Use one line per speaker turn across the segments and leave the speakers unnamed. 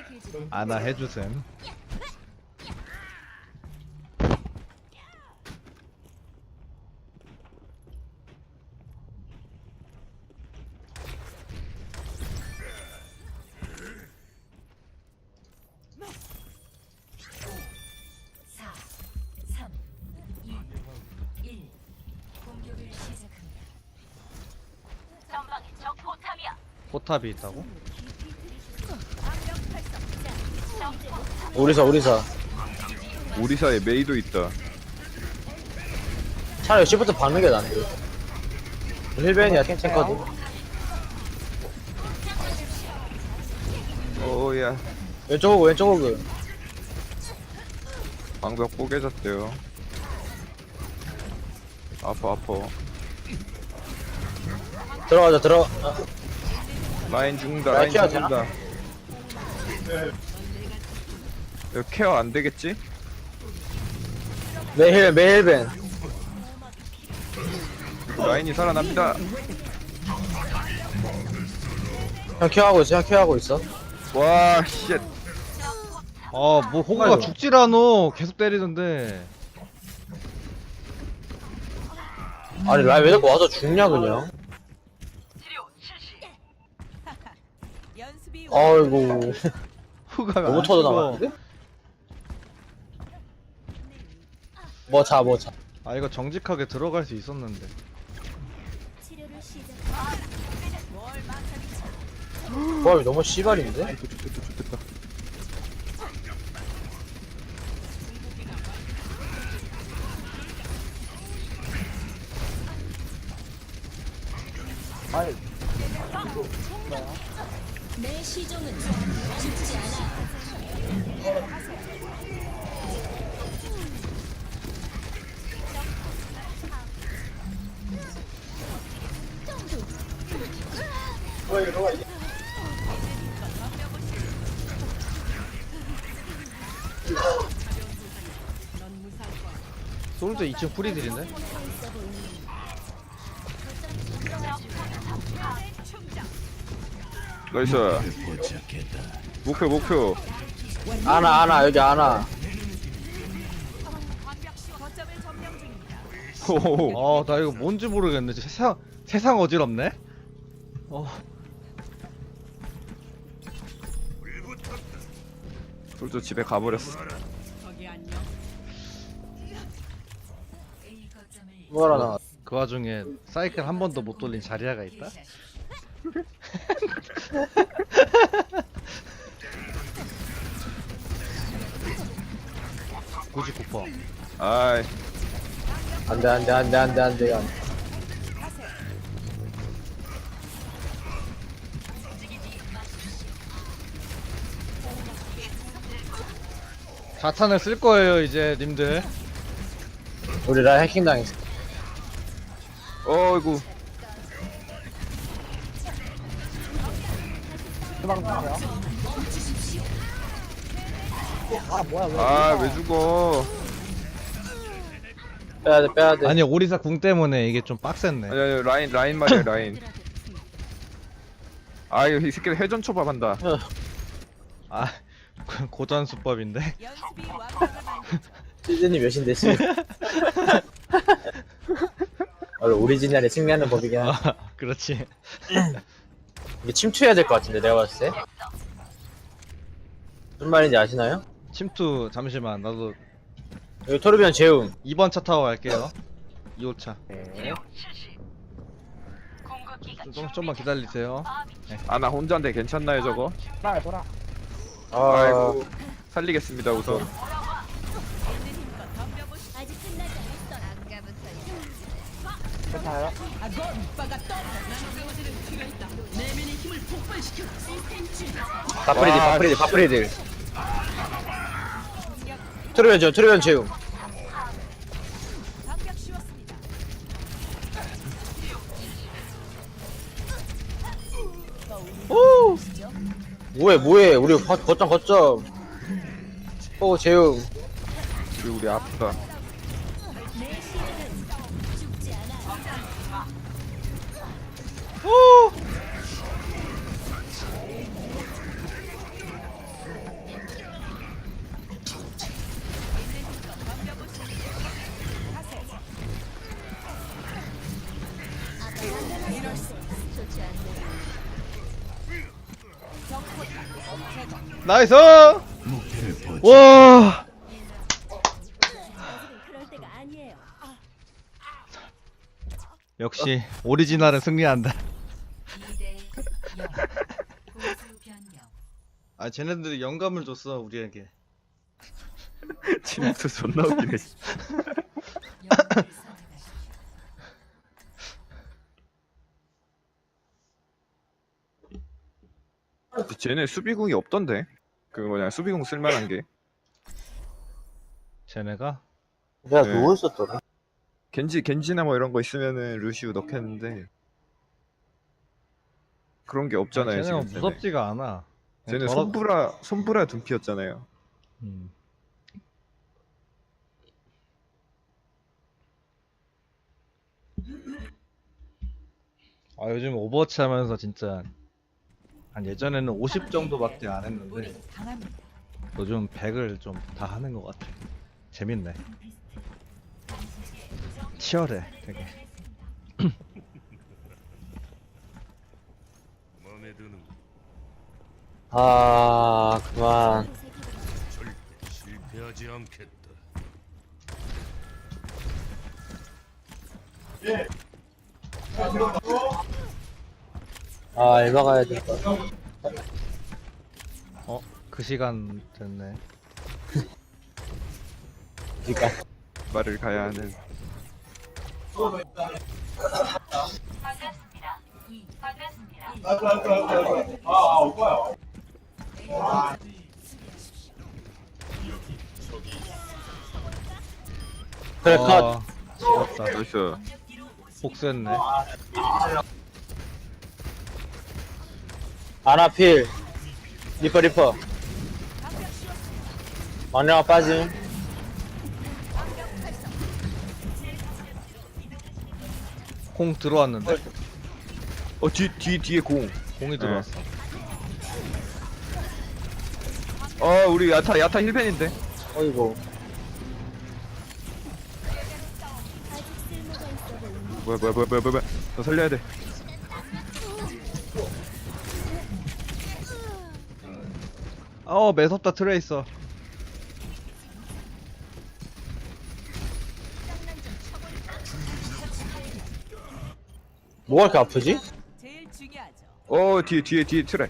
아나 해주셈. 포탑이 있다고?
오리사
오리사에 메이도 있다.
차라리 시프트 박는 게 나은데. 힐벤이야 탱커도.
오야.
왼쪽 호그
방벽 뽀개졌대요. 아파.
들어가자
라인 죽는다.
라인
라인
케어
죽는다. 이거 케어 안 되겠지?
메힐벤
라인이 살아납니다.
형 케어하고 있어
와, 쉣.
뭐 호구가
아이고.
죽질 않어. 계속 때리던데.
아니 라인 왜 자꾸 와서 죽냐 그냥. 아이고
호구가
너무
안
터져
죽어.
나갔는데? 뭐자
아 이거 정직하게 들어갈 수 있었는데.
조합이 너무 씨발인데?
좋겠다.
내 시종은 죽지 않아.
솔저 2층 프리딜인데?
나이스. 목표.
아나 여기 아나.
호호호.
나 이거 뭔지 모르겠네. 세상 어지럽네?
솔저 집에 가버렸어.
뭐라 나.
그 와중에 사이클 한 번도 못 돌린 자리아가 있다? 99%.
아이.
안돼.
자탄을 쓸 거예요 이제 님들.
우리 라인 해킹 당했어.
어이구. 아, 왜 죽어?
빼야 돼.
아니 오리사 궁 때문에 이게 좀 빡셌네.
아니, 라인 말이야, 라인. 아, 이거 이 새끼들 회전 초밥한다.
아 고전 수법인데.
시즌이 몇인데 씨. 원래 오리지널에 승리하는 법이긴 하.
그렇지.
이게 침투해야 될 것 같은데 내가 봤을 때. 무슨 말인지 아시나요?
침투 잠시만 나도
여기 토르비언 재움.
2번 차 타고 갈게요. 2호차.
네.
좀만 기다리세요.
아, 나 혼자인데 괜찮나요, 저거?
아,
아이고. 살리겠습니다, 우선.
아직 끝나지 않았어.
괜찮아요? 바프리딜. 토르비언 재움. 뭐해 우리 거점 재움.
우리 아프다.
나이스! 와!
그럴 때가 아니에요.
역시 오리지널은 승리한다.
2대 0. 공수 변경.
아 쟤네들이 영감을 줬어 우리에게.
침투 존나 웃기네.
영웅을 선택하십시오.
쟤네 수비궁이 없던데. 그 뭐냐 수비궁 쓸만한 게.
쟤네가
내가
네.
누워 있었더라.
겐지나 뭐 이런 거 있으면은 루시우 넣겠는데 그런 게 없잖아요.
쟤네가
지금
무섭지가 않아.
쟤네
더러-
손브라 둠피였잖아요.
음. 아 요즘 오버워치 하면서 진짜 한 예전에는 50 정도밖에 안 했는데
우리 강합니다.
요즘 100을 좀 다 하는 것 같아. 재밌네. 치열해 되게.
마음에 드는
아, 그만.
절대 실패하지 않겠다.
아, 알바 가야 돼.
어? 그 시간 됐네.
그니까.
말을 가야 하는.
그래, 컷.
아, 지렸다.
나이스.
복수했네.
아나필. 리퍼. 마녀가 빠짐.
공 들어왔는데?
뒤에 공.
공이 들어왔어.
우리 야타 힐벤인데.
어이구.
뭐야. 너 살려야 돼.
매섭다 트레이서.
뭐가 이렇게 아프지?
제일 중요하죠.
뒤에 트랙.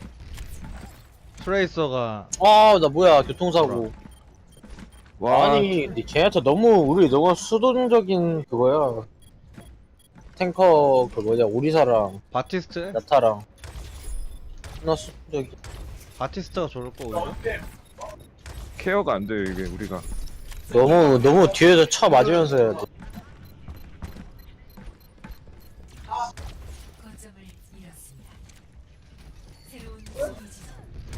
트레이서가
아, 나 뭐야, 교통사고.
와.
아니, 쟤한테 우리 너무 수동적인 그거야. 탱커, 그 뭐냐, 오리사랑,
바티스트?
야타랑. 나 수동적이.
바티스트가 좋을 거 오히려.
케어가 안 돼요 이게 우리가.
너무 뒤에서 쳐 맞으면서 해야 돼.
거점을 잃었습니다. 새로운 수비지점.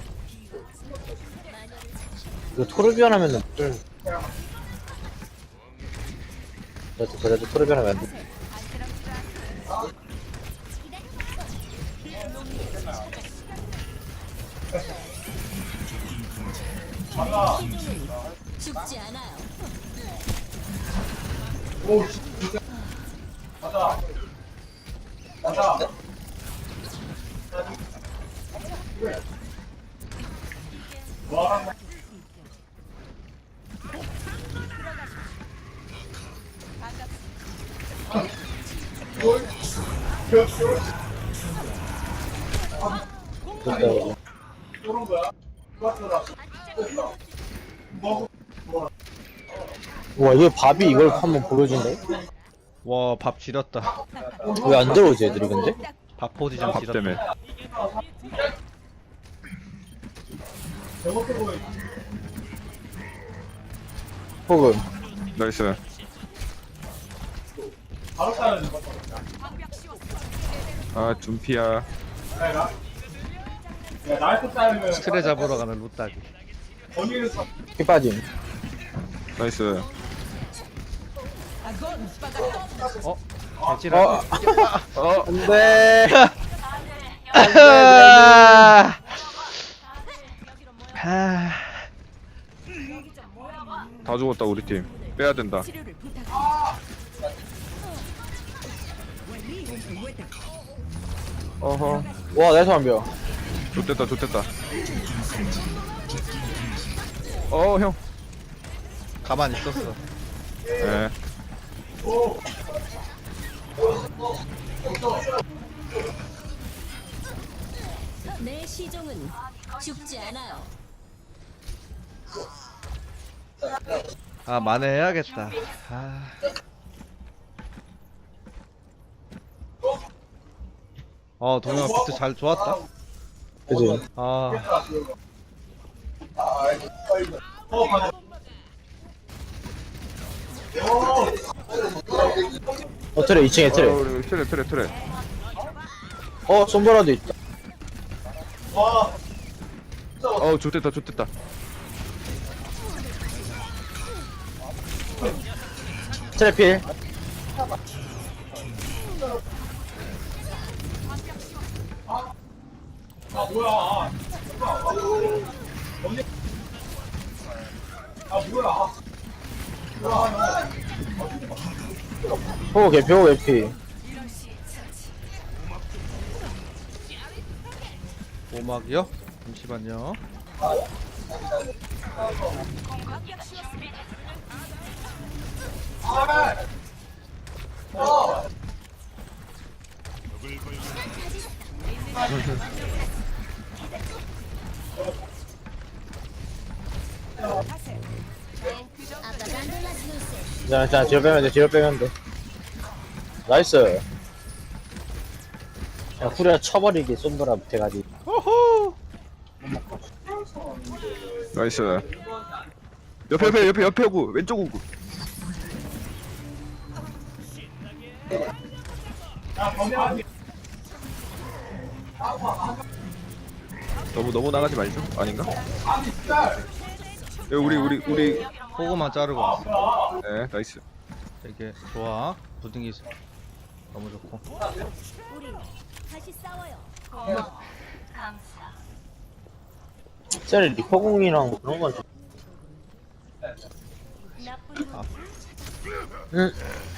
이거 토르비언 하면은 좀. 그래도 토르비언 하면 안 돼.
죽지 않아요.
됐다. 와, 이거 밥이 이걸 한번 보여준대?
와, 밥 지렸다.
왜 안 들어오지, 애들이 근데?
밥 포지션
밥 때문에.
지렸다.
혹은,
나이스. 둠피야.
트레 잡으러 가는 루따기.
피 빠짐.
나이스.
개지라.
안 돼!
다 죽었다 우리 팀. 빼야 된다.
치료를 부탁.
어허.
와, 나이스 완벽.
좋됐다 좋됐다. 어 형.
가만히 있었어.
예.
내 시종은 죽지 않아요.
아 만회해야겠다. 아. 동영아 비트 잘 좋았다.
그지?
아
트레 2층에 트레.
우리 트레.
솜브라도 있다.
좋됐다.
트레 필. 호그 개피, 호그 개피.
오막이요? 잠시만요.
자, 뒤로 빼면 돼. 나이스. 야, 후레가 쳐버리기, 솜브라 못해가지고.
호호.
나이스. 옆에 오고 왼쪽 오고. 너무 나가지 말죠. 아닌가? 우리.
호구만 자르고 왔어.
네, 나이스.
되게 좋아. 부등기 너무 좋고.
우리 다시 싸워요.
쟤네 리퍼공이랑 그런 건 좀.
나쁜 놈.
응.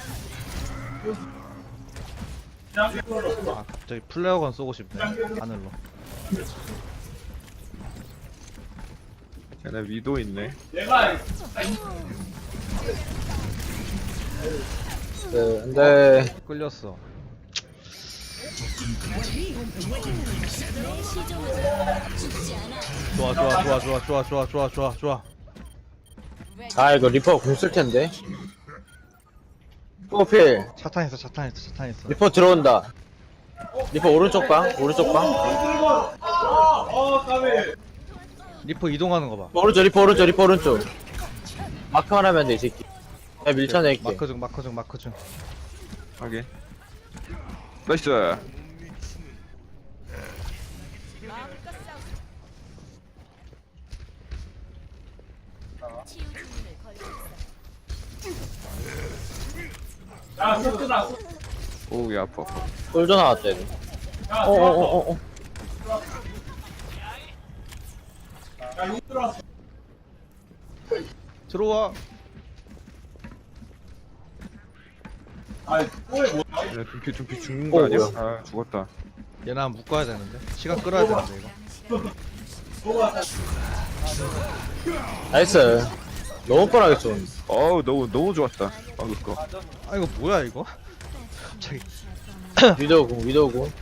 아 갑자기 플레어건 쏘고 싶네. 하늘로.
쟤네 위도 있네.
근데
끌렸어.
내 시종은 죽지 않아.
좋아.
아 이거 리퍼 공 쓸 텐데. 호필.
차탄 있어.
리퍼 들어온다. 리퍼 오른쪽 방.
리퍼 이동하는 거 봐.
리퍼 오른쪽. 마크만 하면 돼 이 새끼. 야 밀쳐낼게.
마크 중.
하게. 나이스.
치유 주문을 걸고 있어.
오우 야 아파.
솔져 나왔다 얘들. 어어어어.
들어와.
얘네 둠피 죽는 거 아니야?
뭐야.
아 죽었다.
얘나 묶어야 되는데. 시간 끌어야 되는데 이거.
나이스. 너무 뻔하게 쏜.
어우 너무 좋았다. 방금 거.
아 이거 뭐야 이거? 갑자기
위도우공.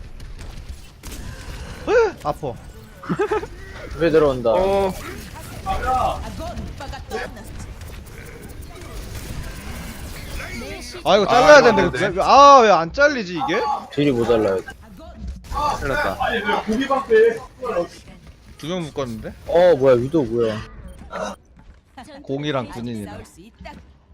아파.
왜 들어온다.
아 이거 잘라야
아,
되는데.
네.
왜 안 잘리지 이게?
딜이 모자라요.
잘랐다.
두 명 묶었는데?
뭐야 위도우 뭐야.
공이랑 군인이네.
싸울 수 있다.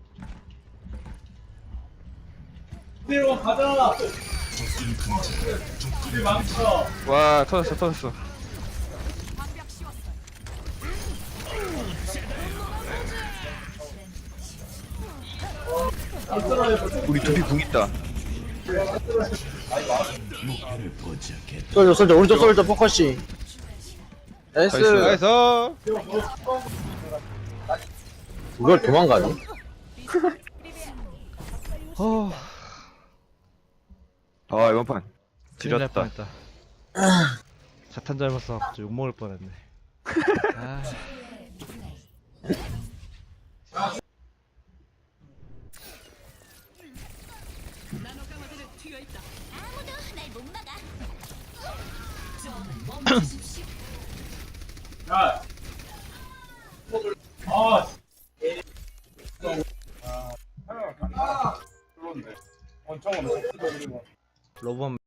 와 터졌어. 우리 둠피 궁 있다.
솔져 오른쪽 솔져 포커싱. 나이스.
나이스.
이걸 도망가네.
아 이번 판
진짜
지렸다.
뻔했다. 자탄 잘못서 갑자기 욕먹을 뻔했네. 아,
아무도 날 못 막아.
로봇